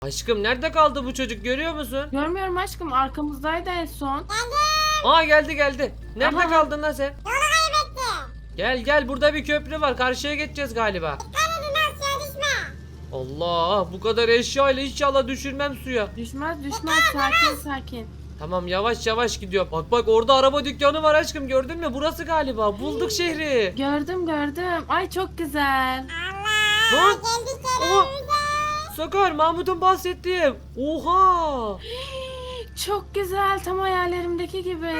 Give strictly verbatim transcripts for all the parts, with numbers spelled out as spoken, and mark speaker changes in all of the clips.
Speaker 1: Aşkım nerede kaldı bu çocuk, görüyor musun?
Speaker 2: Görmüyorum aşkım, arkamızdaydı en son.
Speaker 1: Aa geldi geldi. Nerede
Speaker 2: Aha.
Speaker 1: kaldın lan sen? Gel gel, burada bir köprü var, karşıya geçeceğiz galiba. Allah, bu kadar eşyayla inşallah düşürmem suya.
Speaker 2: Düşmez düşmez, sakin sakin.
Speaker 1: Tamam, yavaş yavaş gidiyor. Bak bak, orada araba dükkanı var aşkım, gördün mü? Burası galiba, bulduk şehri.
Speaker 2: Gördüm gördüm. Ay çok güzel.
Speaker 1: Lan. Oha. Sakar, Mahmut'un bahsettiği. Oha.
Speaker 2: Çok güzel, tam hayallerimdeki gibi.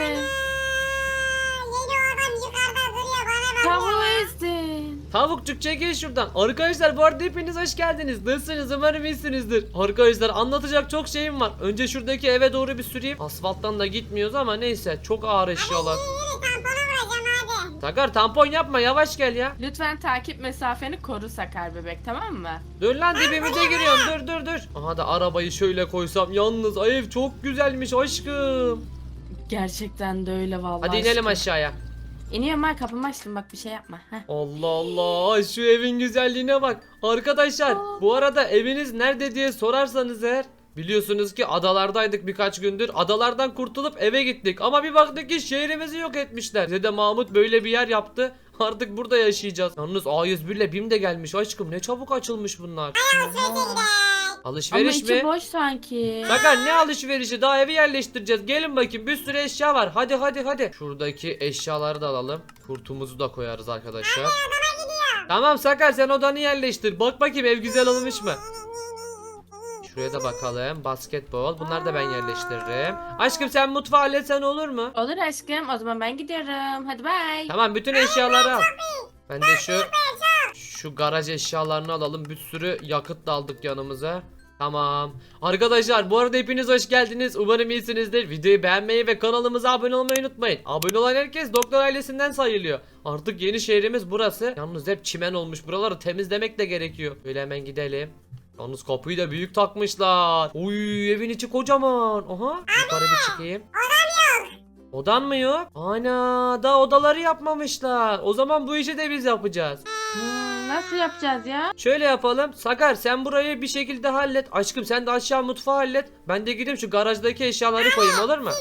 Speaker 2: Tavuğu ezdin.
Speaker 1: Tavukçuk çekil şuradan. Arkadaşlar bu arada hepiniz hoş geldiniz. Nasılsınız? Umarım iyisinizdir. Arkadaşlar anlatacak çok şeyim var. Önce şuradaki eve doğru bir süreyim. Asfalttan da gitmiyoruz ama neyse, çok ağır eşyalar. Sakar, tampon yapma, yavaş gel ya.
Speaker 2: Lütfen takip mesafeni koru Sakar bebek, tamam mı?
Speaker 1: Dur lan, dibimize giriyorsun, dur dur dur. Aha da arabayı şöyle koysam, yalnız ev çok güzelmiş aşkım.
Speaker 2: Gerçekten de öyle vallahi.
Speaker 1: Hadi inelim
Speaker 2: aşkım.
Speaker 1: aşağıya.
Speaker 2: İniyorum ben, kapımı açtım, bak bir şey yapma. Heh.
Speaker 1: Allah Allah, şu evin güzelliğine bak. Arkadaşlar bu arada eviniz nerede diye sorarsanız eğer, biliyorsunuz ki adalardaydık birkaç gündür. Adalardan kurtulup eve gittik ama bir baktık ki şehrimizi yok etmişler. Bize de Mahmut böyle bir yer yaptı. Artık burada yaşayacağız. Yalnız A yüz bir ile BİM de gelmiş aşkım, ne çabuk açılmış bunlar.
Speaker 2: Ama
Speaker 1: Alışveriş
Speaker 2: içi
Speaker 1: mi?
Speaker 2: boş sanki.
Speaker 1: Sakar, ne alışverişi, daha evi yerleştireceğiz. Gelin bakayım, bir sürü eşya var. Hadi hadi hadi. Şuradaki eşyaları da alalım. Kurtumuzu da koyarız arkadaşlar. Tamam Sakar, sen odanı yerleştir. Bak bakayım ev güzel olmuş mu? Şuraya da bakalım. Basketbol. Bunları da ben yerleştiririm. Aşkım sen mutfağı halletsen olur mu?
Speaker 2: Olur aşkım, o zaman ben gidiyorum. Hadi bay.
Speaker 1: Tamam, bütün eşyaları al. Ben de şu şu garaj eşyalarını alalım. Bir sürü yakıt da aldık yanımıza. Tamam. Arkadaşlar bu arada hepiniz hoş geldiniz. Umarım iyisinizdir. Videoyu beğenmeyi ve kanalımıza abone olmayı unutmayın. Abone olan herkes doktor ailesinden sayılıyor. Artık yeni şehrimiz burası. Yalnız hep çimen olmuş. Buraları temizlemek de gerekiyor. Böyle hemen gidelim. Yalnız kapıyı da büyük takmışlar. Uy, evin içi kocaman. Aha. Yukarı bir çıkayım. Odan mı yok? Ana, daha odaları yapmamışlar. O zaman bu işi de biz yapacağız.
Speaker 2: Hmm, nasıl yapacağız ya?
Speaker 1: Şöyle yapalım. Sakar, sen burayı bir şekilde hallet. Aşkım sen de aşağı mutfağı hallet. Ben de gideyim şu garajdaki eşyaları koyayım, olur mu?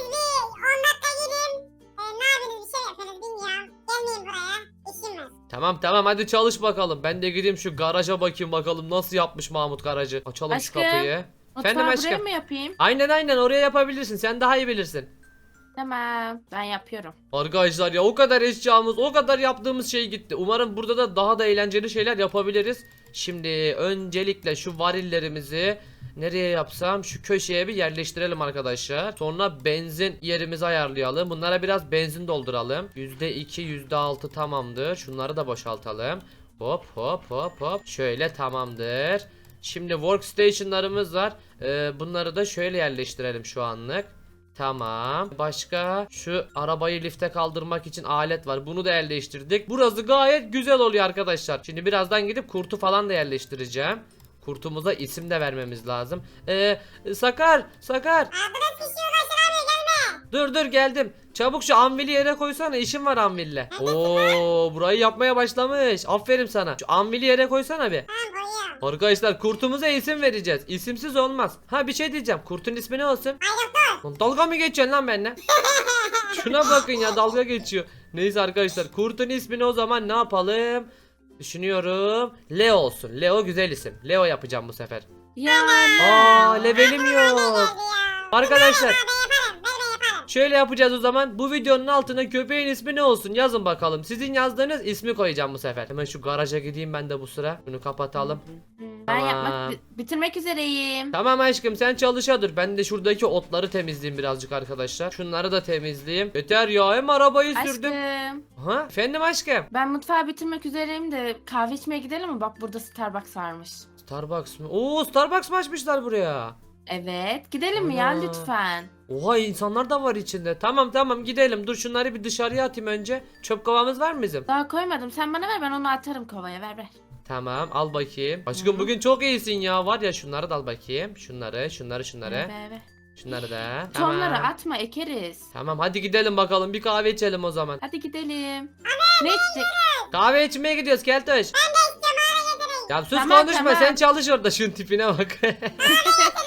Speaker 1: Tamam tamam, hadi çalış bakalım. Ben de gideyim şu garaja bakayım bakalım nasıl yapmış Mahmut garajı. Açalım
Speaker 2: Aşkım,
Speaker 1: şu kapıyı. Efendim
Speaker 2: Mutfağı buraya
Speaker 1: aşkım.
Speaker 2: mı yapayım?
Speaker 1: Aynen aynen, oraya yapabilirsin. Sen daha iyi bilirsin.
Speaker 2: Tamam, ben yapıyorum.
Speaker 1: Arkadaşlar ya, o kadar eşyamız, o kadar yaptığımız şey gitti. Umarım burada da daha da eğlenceli şeyler yapabiliriz. Şimdi öncelikle şu varillerimizi nereye yapsam, şu köşeye bir yerleştirelim arkadaşlar. Sonra benzin yerimizi ayarlayalım. Bunlara biraz benzin dolduralım. yüzde iki yüzde altı tamamdır. Şunları da boşaltalım. Hop hop hop hop. Şöyle tamamdır. Şimdi workstation'larımız var. Ee, bunları da şöyle yerleştirelim şu anlık. Tamam. Başka şu arabayı lifte kaldırmak için alet var. Bunu da yerleştirdik. Burası gayet güzel oluyor arkadaşlar. Şimdi birazdan gidip kurtu falan da yerleştireceğim. Kurtumuza isim de vermemiz lazım. Ee, Sakar, Sakar. Dur dur, geldim. Çabuk şu anvili yere koysana, işim var anville. Oo, burayı yapmaya başlamış. Aferin sana. Şu anvili yere koysana bir. Arkadaşlar kurtumuza isim vereceğiz. İsimsiz olmaz. Ha, bir şey diyeceğim. Kurtun ismi ne olsun? Lan dalga mı geçiyorsun lan benimle? Şuna bakın ya, dalga geçiyor. Neyse arkadaşlar, kurtun ismini o zaman ne yapalım? Düşünüyorum. Leo olsun. Leo güzel isim. Leo yapacağım bu sefer.
Speaker 2: Yani.
Speaker 1: Aa, levelim yok. Arkadaşlar şöyle yapacağız o zaman. Bu videonun altına köpeğin ismi ne olsun yazın bakalım. Sizin yazdığınız ismi koyacağım bu sefer. Hemen şu garaja gideyim ben de bu sıra. Bunu kapatalım.
Speaker 2: Ben
Speaker 1: Tamam.
Speaker 2: yapmak bi- bitirmek üzereyim.
Speaker 1: Tamam aşkım, sen çalışa dur. Ben de şuradaki otları temizleyeyim birazcık arkadaşlar. Şunları da temizleyeyim. Yeter ya, hem arabayı sürdüm.
Speaker 2: Aşkım,
Speaker 1: Ha, efendim aşkım.
Speaker 2: ben mutfağı bitirmek üzereyim de kahve içmeye gidelim mi? Bak burada Starbucks varmış.
Speaker 1: Starbucks mı? Oo, Starbucks mı açmışlar buraya?
Speaker 2: Evet, gidelim mi ya
Speaker 1: Ana.
Speaker 2: lütfen?
Speaker 1: Oha, insanlar da var içinde. Tamam tamam, gidelim. Dur şunları bir dışarıya atayım önce. Çöp kovamız var mı bizim?
Speaker 2: Daha koymadım. Sen bana ver, ben onu atarım kovaya. Ver ver.
Speaker 1: Tamam, al bakayım. Aşkım
Speaker 2: Hı.
Speaker 1: bugün çok iyisin ya. Var ya, şunları da al bakayım. Şunları, şunları, şunları.
Speaker 2: Ver ver ver.
Speaker 1: Şunları da.
Speaker 2: Tohumları
Speaker 1: Tamam.
Speaker 2: atma, ekeriz.
Speaker 1: Tamam, hadi gidelim bakalım. Bir kahve içelim o zaman.
Speaker 2: Hadi gidelim. Ne içecek?
Speaker 1: Kahve içmeye gidiyoruz Keltoş. Ya sus,
Speaker 2: Tamam,
Speaker 1: konuşma,
Speaker 2: tamam.
Speaker 1: sen çalış orada, şunun tipine bak.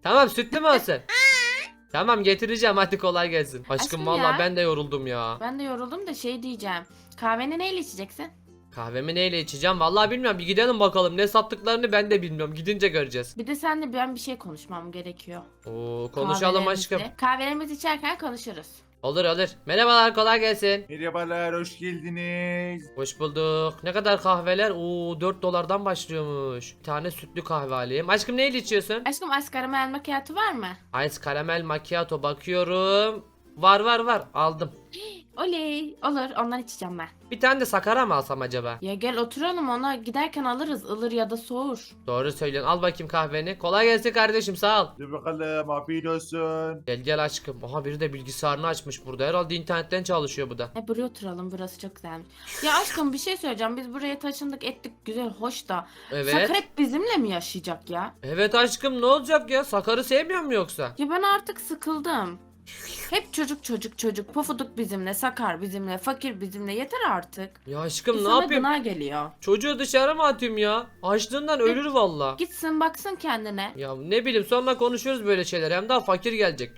Speaker 1: Tamam sütlü mü olsun? Tamam getireceğim hadi kolay gelsin. Aşkım,
Speaker 2: Aşkım
Speaker 1: vallahi
Speaker 2: ya.
Speaker 1: ben de yoruldum ya.
Speaker 2: Ben de yoruldum da şey diyeceğim. Kahveni neyle içeceksin?
Speaker 1: Kahvemi neyle içeceğim vallahi bilmiyorum, bir gidelim bakalım ne sattıklarını ben de bilmiyorum, gidince göreceğiz.
Speaker 2: Bir de seninle ben bir şey konuşmam gerekiyor.
Speaker 1: Oo, konuşalım aşkım.
Speaker 2: Kahvelerimizi- Kahvelerimizi içerken konuşuruz.
Speaker 1: Olur olur. Merhabalar, kolay gelsin.
Speaker 3: Merhabalar, hoş geldiniz.
Speaker 1: Hoş bulduk. Ne kadar kahveler? Oo, dört dolardan başlıyormuş. Bir tane sütlü kahve alayım. Aşkım neyle içiyorsun?
Speaker 2: Aşkım ice caramel macchiato var mı?
Speaker 1: Ice caramel macchiato bakıyorum. Var var var, aldım.
Speaker 2: Oley. Olur ondan içeceğim ben.
Speaker 1: Bir tane de sakara mı alsam acaba?
Speaker 2: Ya gel oturalım ona giderken alırız ılır ya da soğur.
Speaker 1: Doğru söylüyorsun. Al bakayım kahveni. Kolay gelsin kardeşim, sağ ol.
Speaker 3: Dur bakalım, afiyet olsun.
Speaker 1: Gel gel aşkım. Aha biri de bilgisayarını açmış burada. Herhalde internetten çalışıyor bu da.
Speaker 2: E buraya oturalım burası çok güzelmiş. Ya aşkım bir şey söyleyeceğim biz buraya taşındık ettik güzel hoş da.
Speaker 1: Evet.
Speaker 2: Sakar hep bizimle mi yaşayacak ya?
Speaker 1: Evet aşkım, ne olacak ya? Sakarı sevmiyor mu yoksa?
Speaker 2: Ya ben artık sıkıldım. Hep çocuk çocuk çocuk pofuduk bizimle sakar bizimle fakir bizimle yeter artık.
Speaker 1: Ya aşkım ne
Speaker 2: İnsana
Speaker 1: yapayım?
Speaker 2: gına geliyor.
Speaker 1: Çocuğu dışarı mı atayım ya? Açlığından ölür valla.
Speaker 2: Gitsin baksın kendine.
Speaker 1: Ya ne bileyim, sonra konuşuruz böyle şeyler. Hem daha fakir gelecek.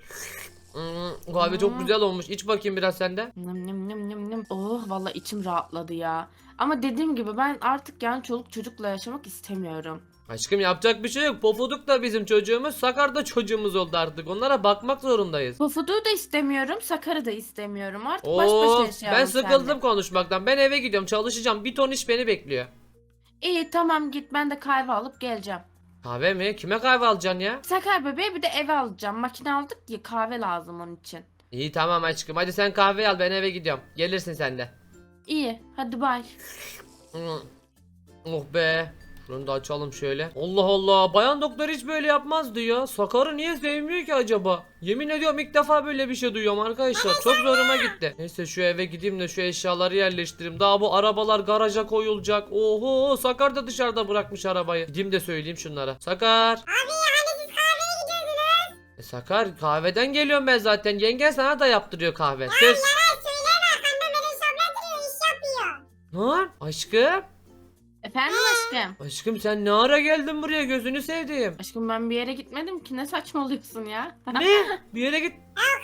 Speaker 1: Hmm, kahve çok
Speaker 2: Hmm.
Speaker 1: güzel olmuş. İç bakayım biraz sende.
Speaker 2: Nım nım nım nım nım. Oh vallahi içim rahatladı ya. Ama dediğim gibi ben artık yani çoluk çocukla yaşamak istemiyorum.
Speaker 1: Aşkım yapacak bir şey yok. Pofuduk da bizim çocuğumuz. Sakar da çocuğumuz oldu artık. Onlara bakmak zorundayız.
Speaker 2: Pofuduğu da istemiyorum, Sakar'ı da istemiyorum. Artık baş başa
Speaker 1: Oo,
Speaker 2: yaşayalım
Speaker 1: ben sıkıldım
Speaker 2: seninle.
Speaker 1: konuşmaktan. Ben eve gidiyorum, çalışacağım. Bir ton iş beni bekliyor.
Speaker 2: İyi tamam git ben de kahve alıp geleceğim.
Speaker 1: Kahve mi? Kime kahve alacaksın ya?
Speaker 2: Sakar bebeğe bir de eve alacağım. Makine aldık ya kahve lazım onun için.
Speaker 1: İyi tamam aşkım. Hadi sen kahve al, ben eve gidiyorum. Gelirsin sen de.
Speaker 2: İyi hadi bay.
Speaker 1: Hmm. Oh be. Şunu da açalım şöyle. Allah Allah. Bayan doktor hiç böyle yapmazdı ya. Sakar'ı niye sevmiyor ki acaba? Yemin ediyorum ilk defa böyle bir şey duyuyorum arkadaşlar. Çok zoruma gitti. Neyse şu eve gideyim de şu eşyaları yerleştireyim. Daha bu arabalar garaja koyulacak. Oho, Sakar da dışarıda bırakmış arabayı. Gideyim de söyleyeyim şunlara. Sakar. Abi hani siz kahveye gidiyordunuz? E Sakar, kahveden geliyorum ben zaten. Yengen sana da yaptırıyor kahve. Ses. Lan aşkım.
Speaker 2: Efendim aşkım.
Speaker 1: Aşkım sen ne ara geldin buraya, gözünü sevdiğim.
Speaker 2: Aşkım ben bir yere gitmedim ki ne saçmalıyorsun ya.
Speaker 1: Ne? Bir yere git.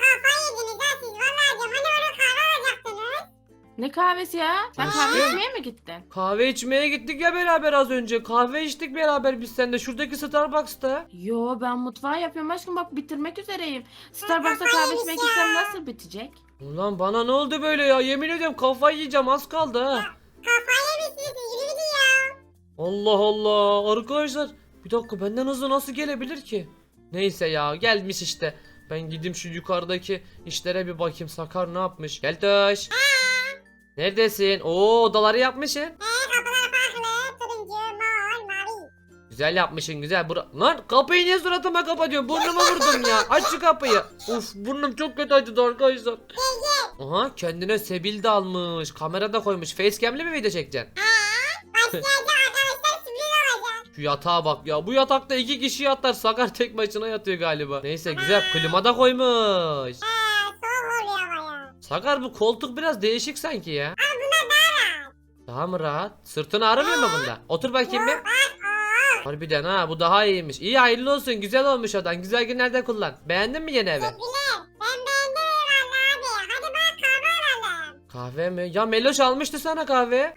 Speaker 2: Ne kahvesi ya? Sen
Speaker 1: Aşkım.
Speaker 2: kahve içmeye mi gittin?
Speaker 1: Kahve içmeye gittik ya beraber az önce. Kahve içtik beraber biz seninle şuradaki Starbucks'ta.
Speaker 2: Yo ben mutfağı yapıyorum aşkım bak bitirmek üzereyim. Starbucks'ta kahve içmek istem nasıl bitecek?
Speaker 1: Ulan bana ne oldu böyle ya? Yemin ediyorum kafayı yiyeceğim, az kaldı ha. Allah Allah. Arkadaşlar bir dakika, benden hızlı nasıl gelebilir ki? Neyse ya, gelmiş işte. Ben gideyim şu yukarıdaki işlere bir bakayım. Sakar ne yapmış? Gel Toş. Neredesin? Oo, odaları yapmışsın. Güzel yapmışsın güzel. Bura... Lan kapıyı niye suratıma kapatıyorsun? Burnumu vurdum ya. Aç şu kapıyı. Uf, burnum çok kötü acıdı arkadaşlar. Aha, kendine Sebil de almış. Kamera da koymuş. Facecam'li mi video çekeceksin? Şu yatağa bak ya. Bu yatakta iki kişi yatar. Sakar tek başına yatıyor galiba. Neyse güzel. Klima da koymuş. Sakar bu koltuk biraz değişik sanki ya. Daha mı rahat? Sırtın ağrımıyor mu bunda? Otur bakayım bir. Harbiden ha, bu daha iyiymiş. İyi, hayırlı olsun, güzel olmuş odan. Güzel günlerde kullan. Beğendin mi yeni evi? Kahve mi? Ya Meloş almıştı sana kahve.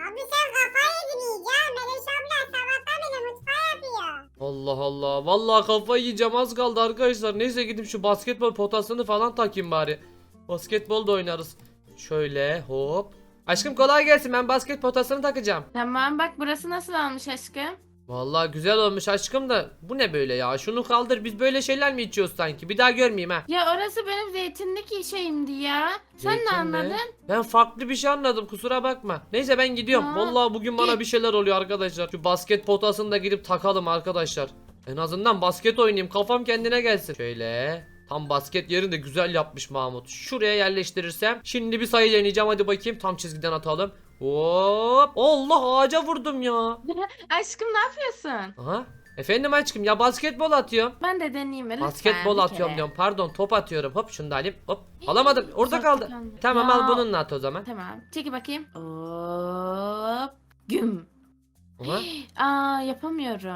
Speaker 1: Allah Allah. Vallahi kafayı yiyeceğim, az kaldı arkadaşlar. Neyse gidip şu basketbol potasını falan takayım bari. Basketbol da oynarız. Şöyle hop. Aşkım kolay gelsin, ben basket potasını takacağım.
Speaker 2: Tamam bak burası nasıl olmuş aşkım?
Speaker 1: Vallahi güzel olmuş aşkım da bu ne böyle ya? Şunu kaldır, biz böyle şeyler mi içiyoruz sanki? Bir daha görmeyeyim ha.
Speaker 2: Ya orası benim zeytinlik şeyimdi ya. Sen
Speaker 1: Zeytin
Speaker 2: ne
Speaker 1: mi?
Speaker 2: anladın?
Speaker 1: Ben farklı bir şey anladım, kusura bakma. Neyse ben gidiyorum.
Speaker 2: Aa,
Speaker 1: Vallahi bugün bana
Speaker 2: git.
Speaker 1: bir şeyler oluyor arkadaşlar. Şu basket potasını da gidip takalım arkadaşlar. En azından basket oynayayım, kafam kendine gelsin. Şöyle. Tam basket yerini de güzel yapmış Mahmut. Şuraya yerleştirirsem. Şimdi bir sayı deneyeceğim, hadi bakayım. Tam çizgiden atalım. Hop. Allah, ağaca vurdum ya.
Speaker 2: Aşkım ne yapıyorsun?
Speaker 1: Aha. Efendim aşkım, ya basketbol atıyorum.
Speaker 2: Ben de deneyeyim lütfen.
Speaker 1: Basketbol
Speaker 2: bir
Speaker 1: atıyorum
Speaker 2: kere.
Speaker 1: diyorum. Pardon, top atıyorum. Hop şunu da alayım. Hop. Alamadım. Orada
Speaker 2: Uzakta
Speaker 1: kaldı.
Speaker 2: kaldı.
Speaker 1: Tamam
Speaker 2: Ya.
Speaker 1: al bununla at o zaman.
Speaker 2: Tamam. Çeki bakayım. Hop. Güm.
Speaker 1: Aha.
Speaker 2: Aa yapamıyorum.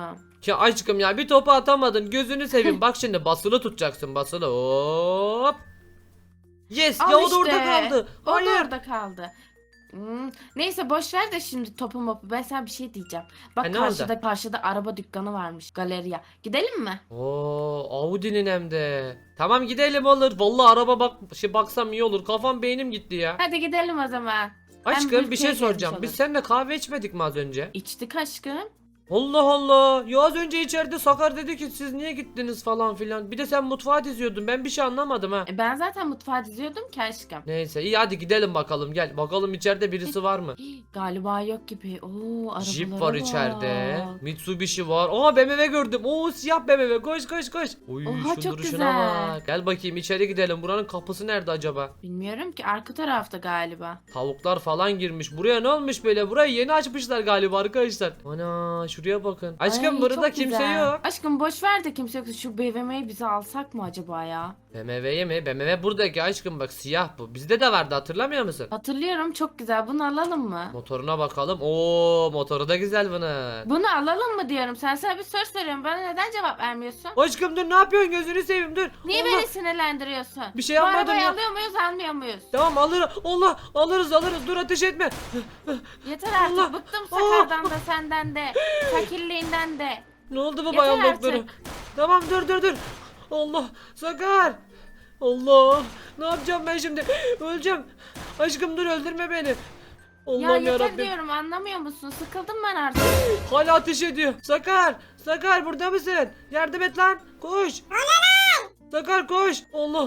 Speaker 1: Ya aşkım ya bir topu atamadın. Gözünü seveyim. Bak şimdi basılı tutacaksın basılı. Hop. Yes
Speaker 2: Al
Speaker 1: ya o da
Speaker 2: işte.
Speaker 1: orada kaldı.
Speaker 2: O
Speaker 1: Hayır.
Speaker 2: da orada kaldı. Hmm, Neyse boş ver de şimdi topu mopu. Ben sana bir şey diyeceğim. Bak
Speaker 1: Ha, ne oldu?
Speaker 2: karşıda karşıda araba dükkanı varmış. Galeriya. Gidelim mi?
Speaker 1: Oo, Audi'nin hem de. Tamam gidelim olur. Vallahi araba bak şey baksam iyi olur. Kafam beynim gitti ya.
Speaker 2: Hadi gidelim o zaman. Hem
Speaker 1: Aşkım bir
Speaker 2: ülkeye
Speaker 1: şey
Speaker 2: gezmiş
Speaker 1: soracağım. Biz
Speaker 2: oluruz.
Speaker 1: seninle kahve içmedik mi az önce?
Speaker 2: İçtik aşkım.
Speaker 1: Allah Allah. Ya az önce içeride Sakar dedi ki siz niye gittiniz falan filan. Bir de sen mutfağa diziyordun. Ben bir şey anlamadım ha.
Speaker 2: E, ben zaten mutfağa diziyordum ki aşkım.
Speaker 1: Neyse iyi hadi gidelim bakalım gel. Bakalım içeride birisi var mı?
Speaker 2: Hii, Galiba yok gibi. Oo, arabalara
Speaker 1: Jeep var içeride.
Speaker 2: bak.
Speaker 1: Mitsubishi var. Aa B M W gördüm. Oo siyah B M W. Koş koş koş. Uy
Speaker 2: Oha,
Speaker 1: şu
Speaker 2: çok
Speaker 1: duruşuna
Speaker 2: güzel.
Speaker 1: bak. Gel bakayım içeri gidelim. Buranın kapısı nerede acaba?
Speaker 2: Bilmiyorum ki arka tarafta galiba.
Speaker 1: Tavuklar falan girmiş. Buraya ne olmuş böyle? Burayı yeni açmışlar galiba arkadaşlar. Ana şuraya bakın. Aşkım
Speaker 2: Ay,
Speaker 1: burada
Speaker 2: çok
Speaker 1: kimse
Speaker 2: güzel.
Speaker 1: yok.
Speaker 2: Aşkım boş ver de kimse yok. Şu B M W'yi bize alsak mı acaba ya?
Speaker 1: B M W'ye mi? B M W buradaki aşkım bak siyah bu. Bizde de vardı hatırlamıyor musun?
Speaker 2: Hatırlıyorum, çok güzel. Bunu alalım mı?
Speaker 1: Motoruna bakalım. Oo motoru da güzel bunun.
Speaker 2: Bunu alalım mı diyorum. Sen sana bir soru soruyorum. Bana neden cevap vermiyorsun?
Speaker 1: Aşkım dur ne yapıyorsun gözünü seveyim dur.
Speaker 2: Niye
Speaker 1: Allah.
Speaker 2: beni sinirlendiriyorsun?
Speaker 1: Bir şey
Speaker 2: Bu
Speaker 1: yapmadım
Speaker 2: arabayı
Speaker 1: ya.
Speaker 2: alıyor muyuz almıyor muyuz?
Speaker 1: Tamam alırız. Allah alırız alırız. Dur ateş etme.
Speaker 2: Yeter artık.
Speaker 1: Allah.
Speaker 2: Bıktım Sakar'dan da senden de. Fakirliğinden de.
Speaker 1: Ne oldu bu
Speaker 2: Yeter
Speaker 1: bayan
Speaker 2: artık.
Speaker 1: doktoru? Tamam dur dur dur. Allah Sakar. Allah. Ne yapacağım ben şimdi? Öleceğim. Aşkım dur öldürme beni.
Speaker 2: Ya
Speaker 1: Allah'ım
Speaker 2: yeter
Speaker 1: yarabbim.
Speaker 2: diyorum, anlamıyor musun? Sıkıldım ben artık.
Speaker 1: Hala ateş ediyor. Sakar. Sakar burada mısın? Yardım et lan. Koş. Sakar koş. Allah.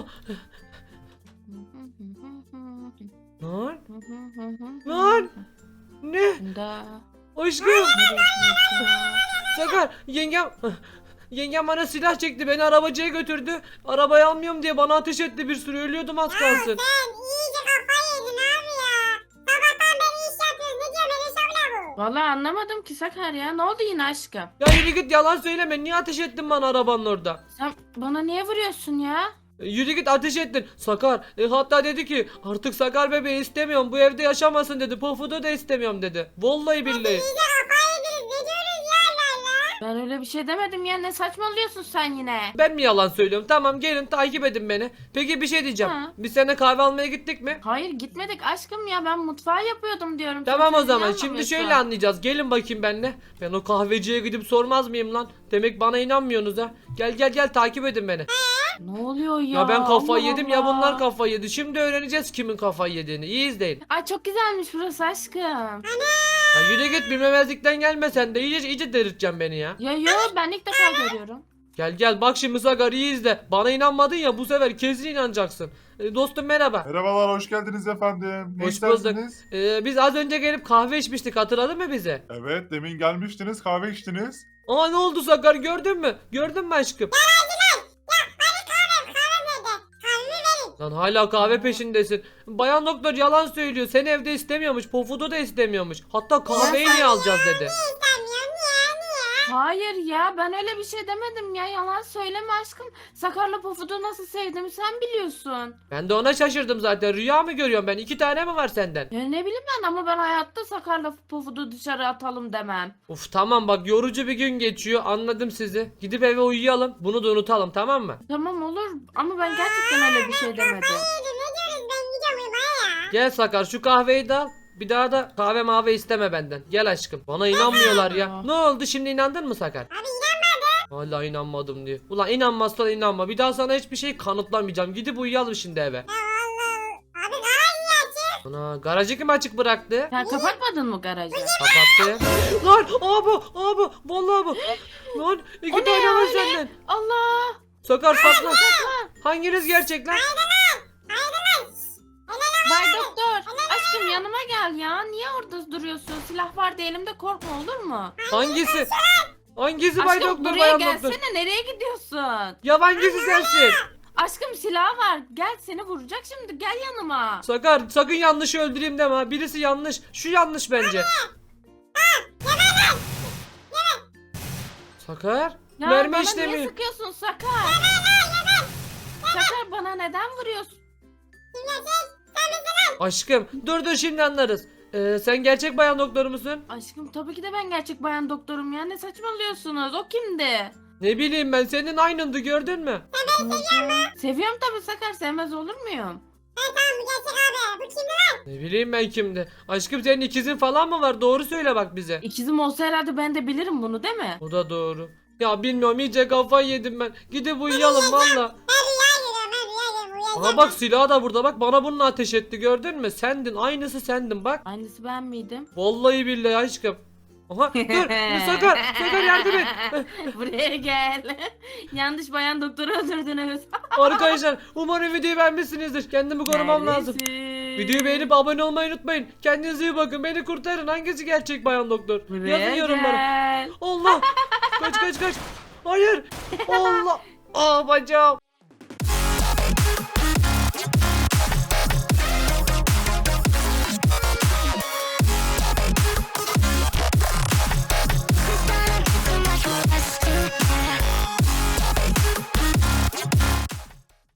Speaker 1: Lan. Lan. Ne?
Speaker 2: Da.
Speaker 1: Aşkım. Sakar yengem yengem bana silah çekti beni arabacıya götürdü. Arabayı almıyorum diye bana ateş etti bir sürü ölüyordum az kalsın.
Speaker 4: Sen iyice kafayı yedin abi ya. Sabahtan beri iş yapıyoruz. Ne diyor böyle şovla bu?
Speaker 2: Vallahi anlamadım ki Sakar ya. Ne oldu yine aşkım?
Speaker 1: Ya yürü git yalan söyleme niye ateş ettin bana arabanın orada?
Speaker 2: Sen bana niye vuruyorsun ya?
Speaker 1: E, Yürü git ateş ettin. Sakar e, hatta dedi ki artık Sakar bebeği istemiyorum bu evde yaşamasın dedi. Pofudu da istemiyorum dedi. Vallahi billahi.
Speaker 4: İyice kafayı yediniz. Ne diyorsunuz ya Allah Allah?
Speaker 2: Ben öyle bir şey demedim ya. Ne saçmalıyorsun sen yine?
Speaker 1: Ben mi yalan söylüyorum? Tamam gelin takip edin beni. Peki bir şey diyeceğim.
Speaker 2: Ha.
Speaker 1: Biz seninle kahve almaya gittik mi?
Speaker 2: Hayır gitmedik aşkım ya. Ben mutfağı yapıyordum diyorum.
Speaker 1: Tamam
Speaker 2: Sen
Speaker 1: o zaman
Speaker 2: niye
Speaker 1: şimdi
Speaker 2: anlamıyorsun?
Speaker 1: şöyle anlayacağız. Gelin bakayım benimle. Ben o kahveciye gidip sormaz mıyım lan? Demek bana inanmıyorsunuz ha. Gel gel gel takip edin beni.
Speaker 2: Ne oluyor ya?
Speaker 1: Ya ben kafayı
Speaker 2: Allah
Speaker 1: yedim ya
Speaker 2: Allah.
Speaker 1: bunlar kafayı yedi. Şimdi öğreneceğiz kimin kafayı yediğini. İyi izleyin.
Speaker 2: Ay çok güzelmiş burası aşkım.
Speaker 1: Ya yürü git bilmemezlikten gelme sen de. İyice iyice delirteceksin beni ya.
Speaker 2: Ya yo, ben ilk defa görüyorum.
Speaker 1: Gel gel bak şimdi Sakar iyi izle. Bana inanmadın ya bu sefer kesin inanacaksın. E, dostum merhaba.
Speaker 3: Merhabalar, hoş geldiniz efendim. Ne
Speaker 1: Hoş
Speaker 3: istersiniz?
Speaker 1: E, biz az önce gelip kahve içmiştik hatırladın mı bizi?
Speaker 3: Evet, demin gelmiştiniz, kahve içtiniz.
Speaker 1: Aa ne oldu Sakar gördün mü? Gördün mü aşkım? Lan hala kahve peşindesin. Bayan doktor yalan söylüyor. Seni evde istemiyormuş. Pofudu da istemiyormuş. Hatta kahveyi niye alacağız dedi.
Speaker 2: Hayır ya, ben öyle bir şey demedim ya. Yalan söyleme aşkım. Sakar'la Pofud'u nasıl sevdiğimi sen biliyorsun.
Speaker 1: Ben de ona şaşırdım zaten. Rüya mı görüyorum ben? İki tane mi var senden?
Speaker 2: Ya ne bileyim ben, ama ben hayatta Sakar'la Pofud'u dışarı atalım demem.
Speaker 1: Uf tamam bak yorucu bir gün geçiyor. Anladım sizi. Gidip eve uyuyalım. Bunu da unutalım tamam mı?
Speaker 2: Tamam olur, ama ben gerçekten öyle bir şey demedim.
Speaker 4: Ne diyorsunuz, ben gideceğim uyumaya ya.
Speaker 1: Gel Sakar şu kahveyi de al. Bir daha da kahve mavi isteme benden. Gel aşkım. Bana inanmıyorlar ya. Ne oldu şimdi inandın mı Sakar?
Speaker 4: Abi inanmadım.
Speaker 1: Hala inanmadım diyor. Ulan inanmazsan inanma. Bir daha sana hiçbir şey kanıtlamayacağım. Gidip uyuyalım şimdi eve.
Speaker 4: Ya Allah. Abi daha iyi açık.
Speaker 1: Ana garajı kim açık bıraktı?
Speaker 2: Sen kapatmadın mı garajı?
Speaker 1: Kapattı. Lan abi abi vallahi bu. Lan iki
Speaker 2: O ne
Speaker 1: tane
Speaker 2: ya,
Speaker 1: var
Speaker 2: o ne?
Speaker 1: senden.
Speaker 2: Allah!
Speaker 1: Sakar saklan. Hanginiz gerçek lan?
Speaker 2: Bay doktor, aşkım yanıma gel ya. Niye orada duruyorsun? Silah vardı elimde, korkma olur mu?
Speaker 1: Hangisi? Hangisi bay
Speaker 2: Aşkım
Speaker 1: doktor
Speaker 2: buraya
Speaker 1: bayan
Speaker 2: gelsene,
Speaker 1: doktor?
Speaker 2: nereye gidiyorsun?
Speaker 1: Ya hangisi sensin?
Speaker 2: Aşkım silah var, gel, seni vuracak şimdi, gel yanıma.
Speaker 1: Sakar sakın yanlış öldüreyim deme ha. Birisi yanlış. Şu yanlış bence. Sakar?
Speaker 2: Ya
Speaker 1: Mermi
Speaker 2: bana
Speaker 1: işlemiyor.
Speaker 2: niye sıkıyorsun Sakar? Sakar, bana neden vuruyorsun?
Speaker 1: Aşkım dur dur şimdi anlarız. Ee, sen gerçek bayan doktor musun?
Speaker 2: Aşkım tabii ki de ben gerçek bayan doktorum ya. Ne saçmalıyorsunuz? O kimdi?
Speaker 1: Ne bileyim ben, senin aynındı, gördün mü?
Speaker 2: Seviyorum tabii Sakar. Sevmez olur muyum?
Speaker 4: Tamam bu gerçek abi. Bu kimdi lan?
Speaker 1: Ne bileyim ben kimdi? Aşkım senin ikizin falan mı var? Doğru söyle bak bize.
Speaker 2: İkizim olsa herhalde ben de bilirim bunu değil mi?
Speaker 1: O da doğru. Ya bilmiyorum, iyice kafayı yedim ben. Gidip uyuyalım valla.
Speaker 4: Ben rüya görüyorum ben rüya görüyorum. Rüya
Speaker 1: Aha bak, silahı da burada, bak bana bununla ateş etti, gördün mü? Sendin, aynısı sendin bak.
Speaker 2: Aynısı ben miydim?
Speaker 1: Vallahi billahi aşkım. Aha dur, Sakar, Sakar yardım et.
Speaker 2: Buraya gel. Yanlış bayan doktoru öldürdünüz.
Speaker 1: Arkadaşlar umarım videoyu beğenmişsinizdir. Kendimi korumam lazım.
Speaker 2: Neredesin?
Speaker 1: Videoyu beğenip abone olmayı unutmayın. Kendinize iyi bakın. Beni kurtarın. Hangisi gerçek bayan doktor?
Speaker 2: Buraya
Speaker 1: Yazın yorumlara.
Speaker 2: gel.
Speaker 1: Allah. Kaç kaç kaç. Hayır. Allah. Aa bacağım.